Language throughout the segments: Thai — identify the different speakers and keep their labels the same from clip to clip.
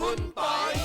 Speaker 1: คุณปอย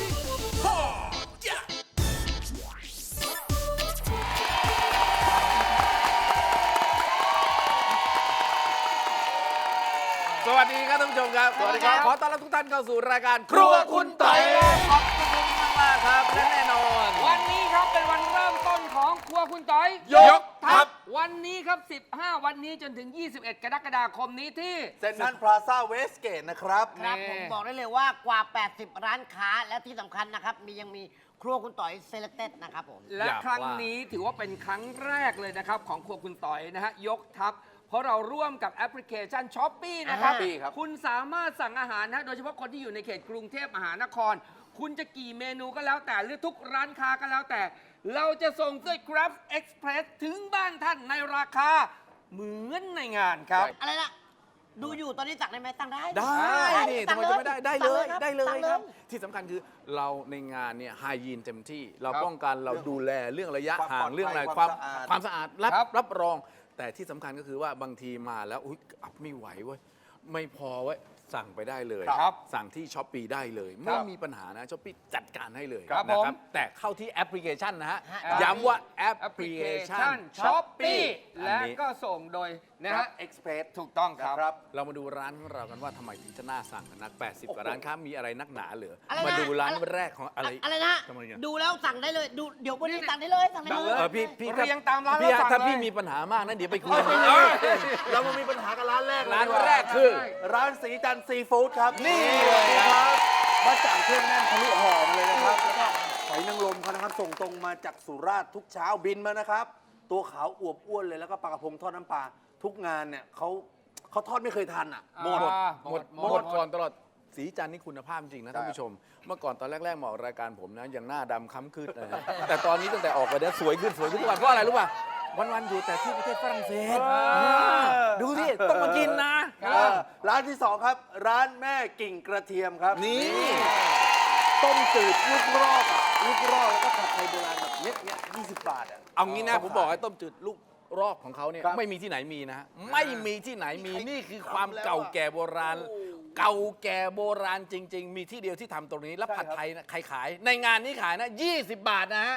Speaker 1: สวัสดีครับท่านผู้ชมครับสวัสดีครับขอต้อนรับทุกท่านเข้าสู่รายการครัวคุณปอยขอบคุณมากครับและแน่นอน
Speaker 2: วันนี้ครับเป็นวันเริ่มต้นของครัวคุณต้อย
Speaker 1: ยกทัพ
Speaker 2: วันนี้ครับ15วันนี้จนถึง21กรกฎาคมนี้ที่
Speaker 1: เซ็นทรัลพลาซ่าเวสเกตนะครับ
Speaker 3: ครับผมบอกได้เลยว่ากว่า80ร้านค้าและที่สำคัญนะครับยังมีครัวคุณต่อยเซเลคเต็ดนะครับผม
Speaker 2: และครั้งนี้ถือว่าเป็นครั้งแรกเลยนะครับของครัวคุณต่อยนะฮะยกทัพเพราะเราร่วมกับแอปพลิเคชัน Shopee นะครับคุณสามารถสั่งอาหารนะโดยเฉพาะคนที่อยู่ในเขตกรุงเทพมหานครคุณจะกี่เมนูก็แล้วแต่หรือทุกร้านค้าก็แล้วแต่เราจะส่งด้วย Grab Express ถึงบ้านท่านในราคาเหมือนในงานครับ
Speaker 3: อะไรนะดูอยู่ตอนนี้สั่งได้ไหมสั่งได้
Speaker 1: นี่ทำไมจะไม่ได้ได้เลยครับที่สำคัญคือเราในงานเนี่ยไฮยีนเต็มที่เราป้องกันเราดูแลเรื่องระยะห่างเรื่องอะไรความสะอาดรับรองแต่ที่สำคัญก็คือว่าบางทีมาแล้วไม่ไหวเว้ยไม่พอเว้ยสั่งไปได้เลยสั่งที่ช้อปปี้ได้เลยไม่มีปัญหานะช้อปปี้จัดการให้เลยนะครับแต่เข้าที่แอปพลิเคชันนะฮะย้ำว่าแอปพลิเคชัน
Speaker 2: ช้อปปี้และก็ส่งโดยนะฮะ
Speaker 1: Express
Speaker 2: ถูกต้องครับ
Speaker 1: เรามาดูร้านของเรากันว่าทำไมถึงจะน่าสั่งนัก80กว่าร้านค้ามีอะไรนักหนาเหลือมาดูร้านแรกของอะไร
Speaker 3: นะดูแล้วสั่งได้เลยดูเดี๋ยววันนี้สั่งได้เลย
Speaker 1: พี่
Speaker 2: เรียงตามร้าน
Speaker 1: ถ้าพี่มีปัญหามากนะเดี๋ยวไปคุยเรามามีปัญหากับร้านแรกคือร้านสีจันทร์ซีฟู้ดครับนี่เลยครับมาจากเครื่องแน่นทะลุหอมเลยนะครับแล้วก็หอยนางรมเขานะครับส่งตรงมาจากสุราษฎร์ทุกเช้าบินมานะครับตัวขาวอวบอ้วนเลยแล้วก็ปลากระพงทอดน้ำปลาทุกงานเนี่ยเขาทอดไม่เคยทันอ่ะหมดก่อนตลอดสีจันทร์นี่คุณภาพจริงนะท่านผู้ชมเมื่อก่อนตอนแรกๆมาออกรายการผมนะยังหน้าดำค้ำคืดแต่ตอนนี้ตั้งแต่ออกไปเนี่ยสวยขึ้นทุกวันเพราะอะไรรู้ป่ะวันๆอยู่แต่ที่ประเทศฝรั่งเศสดูสิต้องมากินนะร้านที่2ครับร้านแม่กิ่งกระเทียมครับนี่ต้มจืดลูกรอกแล้วก็ผัดไทยโบราณแบบเนี้ย20 บาทเอางี้นะผมบอกให้ต้มจืดลูกรอกของเขาเนี่ยไม่มีที่ไหนมีนะไม่มีที่ไหนมีนี่คือความเก่าแก่โบราณจริงๆมีที่เดียวที่ทำตรงนี้แล้วผัดไทยนะใครขายในงานนี้ขายนะ20 บาทนะฮะ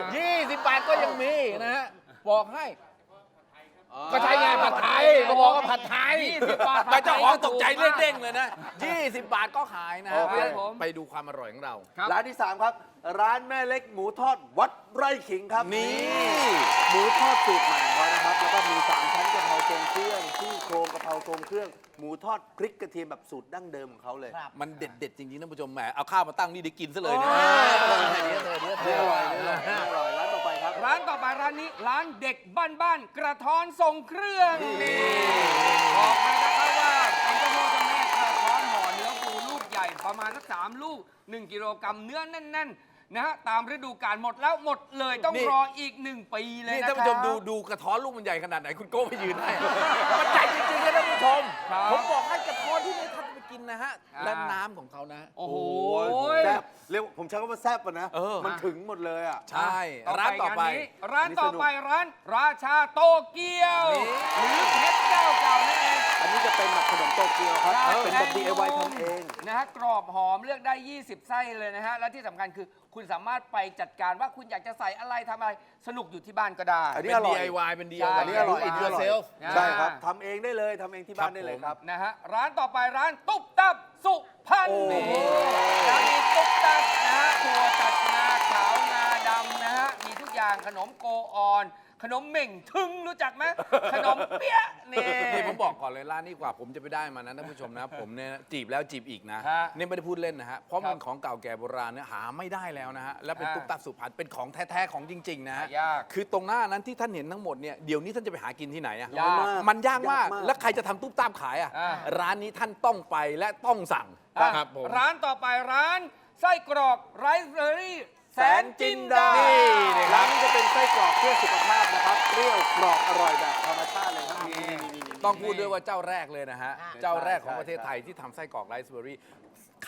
Speaker 1: 20 บาทก็ยังมีนะฮะบอกให้ก็ใช่ไงผัดไทยเขาบอกว่าผัดไทย20 บาทแต่เจ้าของตกใจเด้งเลยนะ20 บาทก็ขายนะไปดูความอร่อยของเราร้านที่3ครับร้านแม่เล็กหมูทอดวัดไร่ขิงครับนี่หมูทอดสูตรใหม่ของเขานะครับแล้วก็มี3ชั้นกะเพราทรงเครื่องซี่โครงกะเพราทรงเครื่องหมูทอดพริกกระเทียมแบบสูตรดั้งเดิมของเขาเลยมันเด็ดจริงๆท่านผู้ชมแหมเอาข้าวมาตั้งนี่ได้กินซะเลยเนี่ยอร่อยร้านต่อไปครับ
Speaker 2: ร้านต่อไปร้านนี้ร้านเด็กบ้านกระท้อนทรงเครื่องบอกเลยนะครับว่าเป็นเจ้าพ่อเจ้าแม่กระท้อนห่อเนื้อปูลูกใหญ่ประมาณสัก3 ลูก1 กิโลกรัมเนื้อแน่นๆนะฮะตามฤดูกาลหมดแล้วหมดเลยต้องรออีก1 ปีเลยนะครับ
Speaker 1: ท่านผู้ชมดูกระท้อนลูกมันใหญ่ขนาดไหนคุณโก้ไปยืนให้มันใหญ่จริงๆนะท่านผู้ชมผมบอกให้กระท้อนที่ไม่ทันไปกินนะฮะและน้ำของเขานะ
Speaker 2: โอ้โห
Speaker 1: แซ่บเรียกผมใช้คำว่าแซ่บป่ะนะมันถึงหมดเลยอ่ะใช่ร้านต่อไป
Speaker 2: ร้านราชาโตเกียวหรือเพชรเจ้าเก่านั่นเอง
Speaker 1: อันนี้จะเป็นแบบขนมโตเกียวครับเป็นแบบ DIY ทำเอง
Speaker 2: นะฮะกรอบหอมเลือกได้20 ไส้เลยนะฮะและที่สำคัญคือคุณสามารถไปจัดการว่าคุณอยากจะใส่อะไรทำอะไรสนุกอยู่ที่บ้านก็ได้
Speaker 1: อันนี้อร่อย DIY เป็น DIY อันนี้อร่อย It yourself ใช่ครับทำเองได้เลยทำเองที่บ้านได้เลยครับ
Speaker 2: นะฮะร้านต่อไปร้านตุ๊บตับสุพรรณร้านนี้ตุ๊บตับนะฮะถั่วตัดงาขาวงาดำนะฮะมีทุกอย่างขนมโกออนขนมเหม่งทึงรู้จักไหมขนมเปี๊ยะ
Speaker 1: นี่ผมบอกก่อนเลยร้านนี้กว่าผมจะไปได้มานะท่านผู้ชมนะผมเนี่ยจีบแล้วจีบอีกนะนี่ไม่ได้พูดเล่นนะฮะเพราะมันของเก่าแก่โบราณเนี่ยหาไม่ได้แล้วนะฮะและเป็นตุ๊กตาสุพรรณเป็นของแท้ๆของจริงๆนะฮะคือตรงหน้านั้นที่ท่านเห็นทั้งหมดเนี่ยเดี๋ยวนี้ท่านจะไปหากินที่ไหนอ่ะมันยากมากแล้วใครจะทำตุ๊กตาขายอ่ะร้านนี้ท่านต้องไปและต้องสั่ง
Speaker 2: ครับผมร้านต่อไปร้านไส้กรอกไรซ์เบอร์รี่แสนจินดา
Speaker 1: นี่ร้านนี้จะเป็นไส้กรอกเพื่อสุขภาพนะครับเปรี้ยวกรอบอร่อยแบบธรรมชาติเลยครับต้องพูดด้วยว่าเจ้าแรกเลยนะฮะเจ้าแรกของประเทศไทยที่ทำไส้กรอกไรซ์เบอร์รี่ข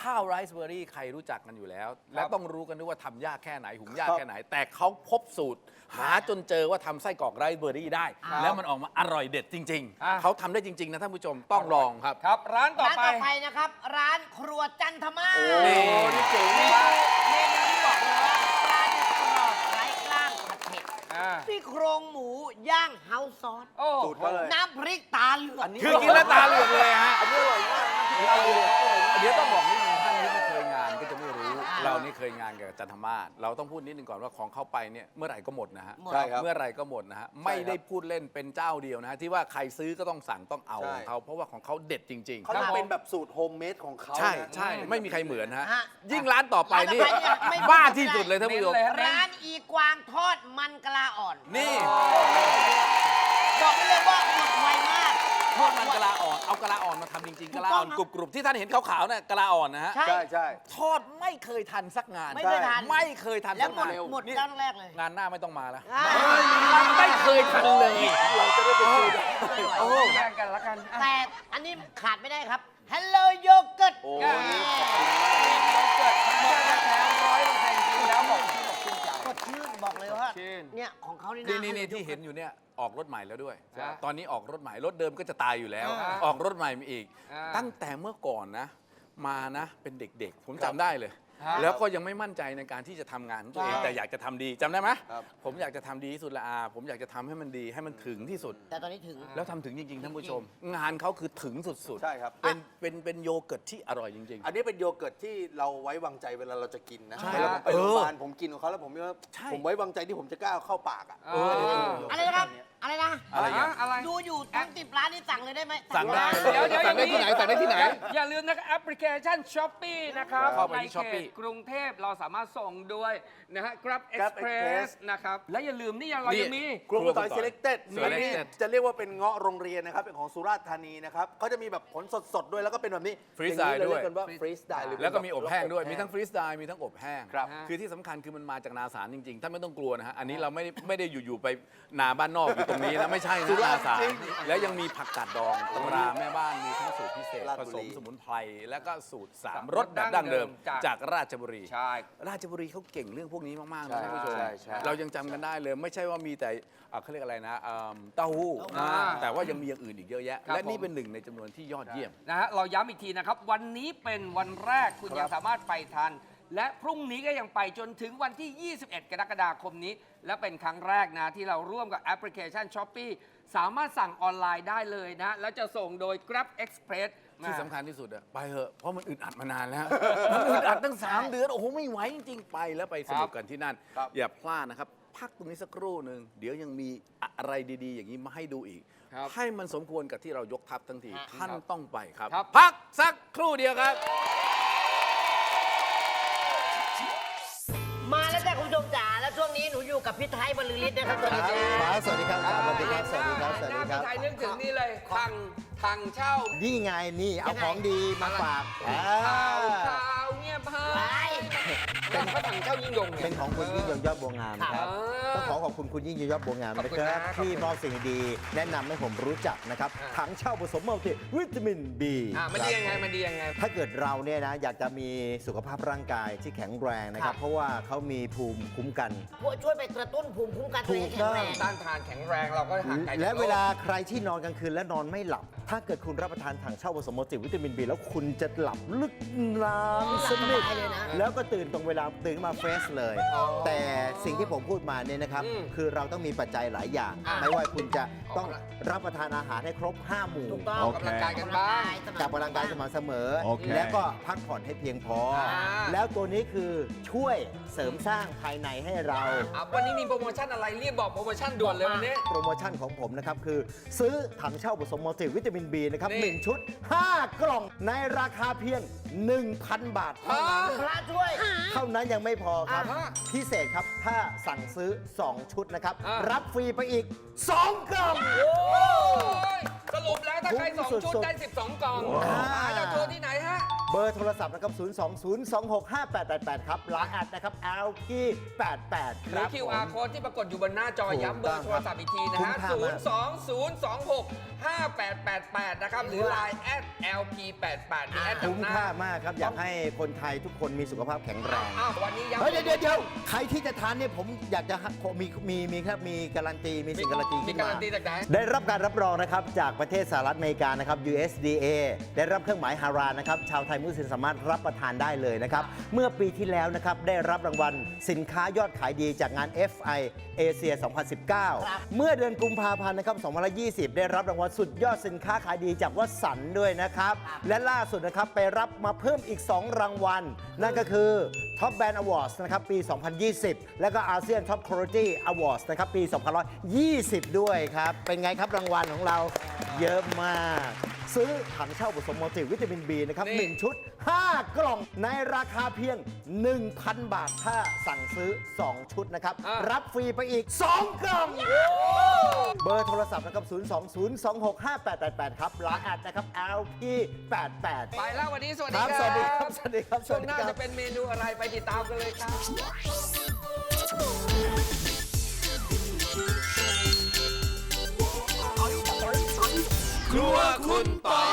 Speaker 4: ข้าวไรซ์เบอร์รี่ใครรู้จักกันอยู่แล้ว และต้องรู้กันด้วยว่าทำยากแค่ไหนหุงยากแค่ไหน แต่เขาพบสูตร หาจนเจอว่าทำไส้กรอกไรซ์เบอร์รี่ได้ แล้วมันออกมาอร่อยเด็ดจริง ๆ เขาทำได้จริง ๆ นะท่านผู้ชมต้องลองครับ
Speaker 2: ครับ ร้านต่อ
Speaker 3: ร้าน
Speaker 2: ไป
Speaker 3: ต่อไปนะครับ ร้านครัวจันทมาศ
Speaker 4: นี่
Speaker 1: เจ๋ง
Speaker 3: เม
Speaker 1: มาก
Speaker 3: นูที่บอกเลยว่าปลาดุกกรอบไร้กล้างผัดเผ็ด
Speaker 2: อ่า
Speaker 3: ซี่โครงหมูย่างเฮาส์ซอส
Speaker 2: โอ้
Speaker 1: สูตรเขาเลย
Speaker 3: น้ำพริกตาเหลือง
Speaker 4: คือกินแล้วตาเหลือกเลยฮะ
Speaker 1: อันนี้อร่อยมาก
Speaker 4: เดี๋ยวต้องบอกนิดนึงท่านที่ไม่เคยงานก็จะไม่รู้ เรานี่เคยงานกับจันทมาศเราต้องพูดนิดนึงก่อนว่าของเข้าไปเนี่ยเมื่อไหร่ก็หมดนะฮะ
Speaker 1: ใช่ครับ
Speaker 4: เมื่อไหร่ก็หมดนะฮะไม่ได้พูดเล่นเป็นเจ้าเดียวนะฮะที่ว่าใครซื้อก็ต้องสั่งต้องเอา
Speaker 1: ใช่
Speaker 4: ของเขาเพราะว่าของเขาเด็ดจริง
Speaker 1: เขาจะเป็นแบบสูตรโฮมเมดของเขา
Speaker 4: ๆ ใช่
Speaker 1: นะ
Speaker 4: ใช่ไม่มีใครเหมือนฮะ
Speaker 3: ฮะ
Speaker 4: ยิ่งร้านต่อไปนี่
Speaker 3: ร้านต่อไปเนี่ยไม่
Speaker 4: บ้าที่สุดเลยท่านผู้ชม
Speaker 2: เน้นเลยฮะ
Speaker 3: ร้านอีกวางทอดมันกะลาอ่อน
Speaker 4: นี่
Speaker 3: บอกได้เลยว่าหมดไวมาก
Speaker 4: ทอดมันกะลาอ่อนเอากะลาอ่อนมาทำจริงๆกะลาอ่อนกรุบๆที่ท่านเห็นขาวๆน่ะกะลาอ่อนนะฮะ
Speaker 3: ใช่
Speaker 1: ใช่ใช่
Speaker 4: ทอดไม่เคยทันสักงาน
Speaker 3: ไม่เคยทัน
Speaker 4: ไม่เคยทัน
Speaker 3: แล้ว
Speaker 4: สัก
Speaker 3: หมด
Speaker 4: งาน
Speaker 3: หมด
Speaker 4: นี่
Speaker 3: ร้านแรกเลย
Speaker 4: งานหน้าไม่ต้องมาแล้ว
Speaker 3: อ่า
Speaker 4: ไม่เคยทันเลย
Speaker 1: เราจะได้ไปคุยกัน
Speaker 2: โอ้แย่งกันละกันอ่ะ
Speaker 3: แต่อันนี้ขาดไม่ได้ครับ Hello Yogurt
Speaker 1: โอ้
Speaker 2: อ่ะ โยเกิร์ตธรรมชาติแท้100%กินแล้วบอกชื่นอกชื่นใจ
Speaker 3: สดชื่นบอกเลยว่า
Speaker 2: ชื่น
Speaker 3: เนี่ยของเขานี่นะ
Speaker 4: นี่ที่เห็นอยู่เนี่ยออกรถใหม่แล้วด้วย
Speaker 2: ใช่
Speaker 4: ตอนนี้ออกรถใหม่รถเดิมก็จะตายอยู่แล้ว
Speaker 2: อ่า
Speaker 4: ออกรถใหม่มาอีก
Speaker 2: อ่า
Speaker 4: ตั้งแต่เมื่อก่อนนะ มานะเป็นเด็กๆ ผมจำได้เลย
Speaker 2: ครับ
Speaker 4: แล้วก็ยังไม่มั่นใจในการที่จะทำงานของตัวเอง
Speaker 3: ใช่
Speaker 4: แต่อยากจะทำดีจำได้ไหม
Speaker 1: ครับ
Speaker 4: ผมอยากจะทำดีที่สุดละอาผมอยากจะทำให้มันดีให้มันถึงที่สุด
Speaker 3: แต่ตอนนี้ถึง
Speaker 4: แล้วทำถึงจริงๆท่านผู้ชม งานเขาคือถึงสุดๆ
Speaker 1: ใช่ครับ
Speaker 4: เป็นโยเกิร์ตที่อร่อยจริง
Speaker 1: อันนี้เป็นโยเกิร์ตที่เราไว้วางใจเวลาเราจะกินนะ
Speaker 4: ใช่
Speaker 1: เวลาผมไปโรงพยาบาล
Speaker 4: เออ
Speaker 1: ผมกินของเขาแล้วผมว่า
Speaker 4: ใช่
Speaker 1: ผมไว้วางใจที่ผมจะกล้าเอาเข้าปากอ่ะ
Speaker 2: เออ
Speaker 3: อะไรนะครับ อะไรนะ
Speaker 4: อะไรอย่าง
Speaker 2: อะไร
Speaker 3: ดูอยู่ทั้ง10 ร้านนี่สั่งเลยได้ไหม
Speaker 4: สั่งได้
Speaker 2: เดี๋ยว
Speaker 1: สั่งได้ที่ไหนสั่งได้ที่ไหน
Speaker 2: อย่าลืมนะครับแอปพลิเคชัน Shopee นะครับ
Speaker 4: เข้าไปที่
Speaker 2: ในเข
Speaker 4: Shopee
Speaker 2: ตกรุงเทพเราสามารถส่งด้วยนะฮะ Grab
Speaker 1: Grab
Speaker 2: Express
Speaker 1: Express
Speaker 2: นะครับ และอย่าลืมนี่เรายังมี
Speaker 1: ครัวคุณต่อย selected
Speaker 4: Selected
Speaker 1: อันนี้จะเรียกว่าเป็นเงาะโรงเรียนนะครับ เป็นของสุราษฎร์ธานีนะครับเขาจะมีแบบผลสดๆด้วยแล้วก็เป็นแบบนี้
Speaker 4: Freeze
Speaker 1: อย่างนี้
Speaker 4: dye ด้วย
Speaker 1: เรีกกันว่าฟรีสไดหรือ
Speaker 4: แล้วก็มีอบแห้งด้วย มี
Speaker 1: อบ
Speaker 4: ทั้งฟรีสไตล์มีทั้งอบแห้ง
Speaker 1: ครับ
Speaker 4: คือที่สำคัญคือมันมาจากนาสารจริงๆ ท่านไม่ต้องกลัวนะฮะ อันนี้เราไม่ได้อยู่ๆไปนาบ้านนอกอยู่ตรงนี้นะ ไม่ใช่นะนาสาร แล้วยังมีผักกาดดองตำราแม่บ้าน มีทั้งสูตรพิเศษ
Speaker 1: ราช
Speaker 4: ผ
Speaker 1: บุ
Speaker 4: ส
Speaker 1: รี
Speaker 4: มสมุนไพร แล้วก็สูตร3รสแบบดั้งเดิม จากราชบุรี
Speaker 2: ใช่
Speaker 4: ราชบุรีเขาเก่งเรื่องพวกนี้มากๆนะท่านผู้ชม
Speaker 1: ใช่ใช่
Speaker 4: เรายังจำกันได้เลย ไม่ใช่ว่ามีแต่เขาเรียกอะไรนะเต้าหู้
Speaker 2: อ่า
Speaker 4: แต่ว่ายังมีอย่างอื่นอีกเยอะแยะ
Speaker 2: ครับ
Speaker 4: และนี่
Speaker 2: ผม
Speaker 4: เป็นหนึ่งในจำนวนที่ยอดเยี่ยม
Speaker 2: นะฮะเราย้ำอีกทีนะครับ วันนี้เป็นวันแรกคุณยังสามารถไปทัน และพรุ่งนี้ก็ยังไปจนถึงวันที่ 21 กรกฎาคมนี้ และเป็นครั้งแรกนะที่เราร่วมกับแอปพลิเคชัน Shopee สามารถสั่งออนไลน์ได้เลยนะ แล้วจะส่งโดย Grab Express
Speaker 4: ที่สำคัญที่สุดอะไปเถอะเพราะมันอึดอัดมานานแล้ว มันอึดอัดตั้ง 3 เดือน โอ้โห ไม่ไหวจริงๆ ไปแล้วไปสนุกกันที่นั่น
Speaker 1: ครับ
Speaker 4: อย่าพลาดนะครับ พักตรงนี้สักครู่หนึ่งเดี๋ยวยังมีอะไรดีๆ อย่างนี้มาให้ดูอีก
Speaker 2: ครับ
Speaker 4: ให้มันสมควรกับที่เรายกทัพทั้งที ท่าน
Speaker 2: ครับ
Speaker 4: ต้องไปครับ
Speaker 2: ครับ
Speaker 4: พักสักครู่เดียวครับ
Speaker 3: มาแล้วจ้ะคุณผู้ชมจ๋าแล้วช่วงนี้หนูอยู่กับพี่ไทยบรรลือฤทธิ์นะครับสวัสดีครับ
Speaker 5: สวัสดีครับสวัสดีครับ สวัสดีครับ สวัส
Speaker 2: ห
Speaker 5: ดี
Speaker 2: น้า
Speaker 5: ครั
Speaker 2: พี่
Speaker 5: บ
Speaker 2: ไทยนึกถึงนี่เลยทางเช่า
Speaker 5: นี่ไงนี่เอาของดีมาฝาก
Speaker 2: ข่าวเงียบหายเป็นพระถังเช่ายิ่งยงไง
Speaker 5: เป็นของคุณยิ่งยงยอดบัวงามครับ ต้องขอขอบคุณคุณยิ่งยงยอดบัวงาม
Speaker 2: ขอบ
Speaker 5: นะ
Speaker 2: คุณ
Speaker 5: ค
Speaker 2: นะ
Speaker 5: รับ
Speaker 2: ขอบคุณ
Speaker 5: ที่มอบสิ่งดีๆแนะนำให้ผมรู้จักนะครับ
Speaker 2: อ่า
Speaker 5: ถังเช่าผสมมัลติวิตามิน B
Speaker 2: มันดียังไงมันดียังไง
Speaker 5: ถ้าเกิดเราเนี่ยนะอยากจะมีสุขภาพร่างกายที่แข็งแรงนะค
Speaker 2: ครั
Speaker 5: รับ
Speaker 2: บ
Speaker 5: เพราะว่าเขามีภูมิคุ้มกัน
Speaker 3: ช่วยไปกระตุ้นภูมิคุ้มกันตัวเองให้แข็งแรง
Speaker 2: ต้านทานแข็งแรงเราก็ห่างไกลจาก
Speaker 5: และ
Speaker 2: โรค
Speaker 5: เวลาใครที่นอนกลางคืนและนอนไม่หลับ ถ้าเกิดคุณรับประทานถังเช่าผสมมัลติวิตามิน B แล้วคุณจะหลับลึกนานสนิท
Speaker 3: หลับสบายเลยนะ
Speaker 5: แล้วก็ตื่นตรงเวลาตื่นมาเฟรชเลย แต่สิ่งที่ผมพูดมาเนี่ยนะครับ
Speaker 2: อืม
Speaker 5: คือเราต้องมีปัจจัยหลายอย่าง
Speaker 2: อ่า
Speaker 5: ไม่ว่าคุณจะต้องรับประทานอาหารให้ครบ 5 หมู่
Speaker 3: ถูกต้อง
Speaker 2: ออกกำลังกายกันบ้าง
Speaker 5: กับกำลังกายสม่ำเสมอ
Speaker 6: โอเค
Speaker 5: แล้วก็พักผ่อนให้เพียงพอ แล้วตัวนี้คือช่วยเสริมสร้างภายในให้เรา
Speaker 2: วันนี้มีโปรโมชั่นอะไรรีบบอกโปรโมชั่นด่วนเลยวันนี้
Speaker 5: โปรโมชั่นของผมนะครับ คือซื้อถังเช่าผสมมัลติวิตามิน B นะครับ
Speaker 2: นี่
Speaker 5: 1 ชุด 5 กล่องในราคาเพียง 1,000 บาทเท่านั้น
Speaker 3: พระช่วย
Speaker 5: เท่านั้นยังไม่พอครับ
Speaker 2: อ่าฮะ
Speaker 5: พิเศษครับถ้าสั่งซื้อ 2 ชุดนะครับ
Speaker 2: อ่า
Speaker 5: รับฟรีไปอีก 2 กล่อง
Speaker 2: โอ้ยสรุปแล้วถ้าใคร
Speaker 5: คุ้ม
Speaker 2: 2 ชุด
Speaker 5: สุดๆ
Speaker 2: ได้ 12 กล่อง
Speaker 5: ว้าว
Speaker 2: หาจะโทรที่ไหนฮะ
Speaker 5: เบอร์โทรศัพท์นะครับ 020265888 ครับไลน์แอดนะครับ LP88
Speaker 2: ห
Speaker 5: ค
Speaker 2: รือ
Speaker 5: รับ
Speaker 2: QR
Speaker 5: ผม
Speaker 2: โค้ดที่ปรากฏอยู่บนหน้าจอ
Speaker 5: ถูก
Speaker 2: ย้ำเบอร์โทรศัพท์อีกทีนะ
Speaker 5: คุ้
Speaker 2: ฮะ
Speaker 5: มค่ามาก
Speaker 2: 02026 5888 นะครับ หรือ Line @LP88 มีแอด
Speaker 5: คุ้มค่ามากครับ อยากให้คนไทยทุกคนมีสุขภาพแข็งแรง
Speaker 2: อ้าววันนี้ยัง
Speaker 5: เฮ้ยเดี๋ยวใครที่จะทานเนี่ยผมอยากจะมีครับมีการันตีมีสิ่งการันตี
Speaker 2: มี
Speaker 5: ขึ้น
Speaker 2: การั
Speaker 5: มาน
Speaker 2: ตีจากไหน
Speaker 5: ได้รับการรับรองนะครับจากประเทศสหรัฐอเมริกานะครับ USDA ได้รับเครื่องหมายฮารานนะครับชาวไทยมุสลิมสามารถรับประทานได้เลยนะครับเมื่อปีที่แล้วนะครับได้รับรางวัลสินค้ายอดขายดีจากงาน FI เอเชีย 2019 เมื่อเดือนกุมภาพันธ์นะครับ 2020 ได้รับรางวัลสุดยอดสินค้าขายดีจากวัสันต์ด้วยนะครับ และล่าสุดนะครับไปรับมาเพิ่มอีก 2 รางวัล นั่นก็คือ Top Brand Awards นะครับปี 2020 และก็ ASEAN Top Quality Awards นะครับปี 2020 ด้วยครับ เป็นไงครับรางวัลของเราเยอะมาก ซื้อถังเช่าผสมมัลติวิตามิน B นะครับ
Speaker 2: นี่
Speaker 5: 1 ชุด 5 กล่องในราคาเพียง 1,000 บาท ถ้าสั่งซื้อ 2 ชุดนะครับ รับฟรีไปอีก 2 กล่อง เบอร์โทรศัพท์นะครับ 020265888 ครับไลน์แอดนะครับ LP88
Speaker 2: ไปแล้ววันนี้สวัส
Speaker 5: ค
Speaker 2: ดี
Speaker 5: รับ
Speaker 2: ครับ
Speaker 5: สวัสดีครับ สวัสดีครับ
Speaker 2: ช่วงหน้าจะเป็นเมนูอะไรไปติดตามกันเลยครับ
Speaker 4: ครัวคุณต่อย